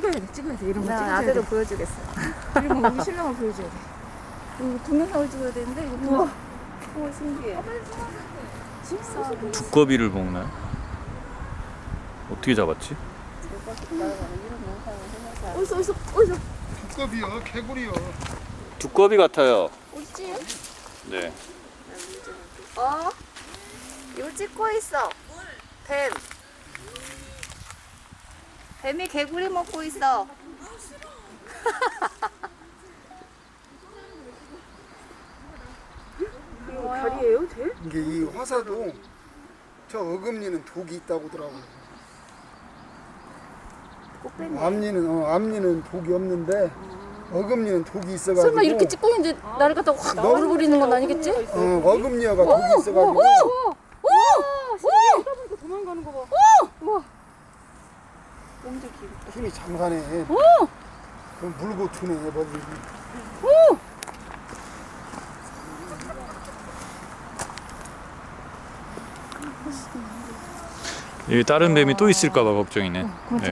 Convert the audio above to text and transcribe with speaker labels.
Speaker 1: 찍어야 돼. 이런 거
Speaker 2: 나
Speaker 1: 찍어줘야
Speaker 2: 아들을
Speaker 1: 돼.
Speaker 2: 보여주겠어.
Speaker 1: 그리고 우리 신랑을 보여줘야 돼.
Speaker 2: 이거 동영상을 찍어야 되는데 이거 우와. 우와 신기해.
Speaker 3: 두꺼비를 먹나요? 어떻게 잡았지?
Speaker 2: 어디서
Speaker 4: 두꺼비요, 개구리요.
Speaker 3: 두꺼비 같아요.
Speaker 2: 어디지?
Speaker 3: 네.
Speaker 2: 이거 찍고 있어. 뱀. 뱀이 개구리 먹고 있어.
Speaker 1: 이거 별이에요, 돼?
Speaker 4: 이게 이 화사도 저 어금니는 독이 있다고 하더라고요. 앞니는 독이 없는데 어금니는 독이 있어가지고.
Speaker 2: 설마 이렇게 찍고 있는데 나를 갖다가 확 넣어버리는 건 아니겠지?
Speaker 4: 어금니가 독이 있어가지고.
Speaker 1: 보니까 도망가는 거 봐.
Speaker 2: 엄청 귀엽다.
Speaker 4: 힘이 장사네. 그럼 물고 투네 머리.
Speaker 3: 여기 다른 뱀이 또 있을까봐 걱정이네. 네.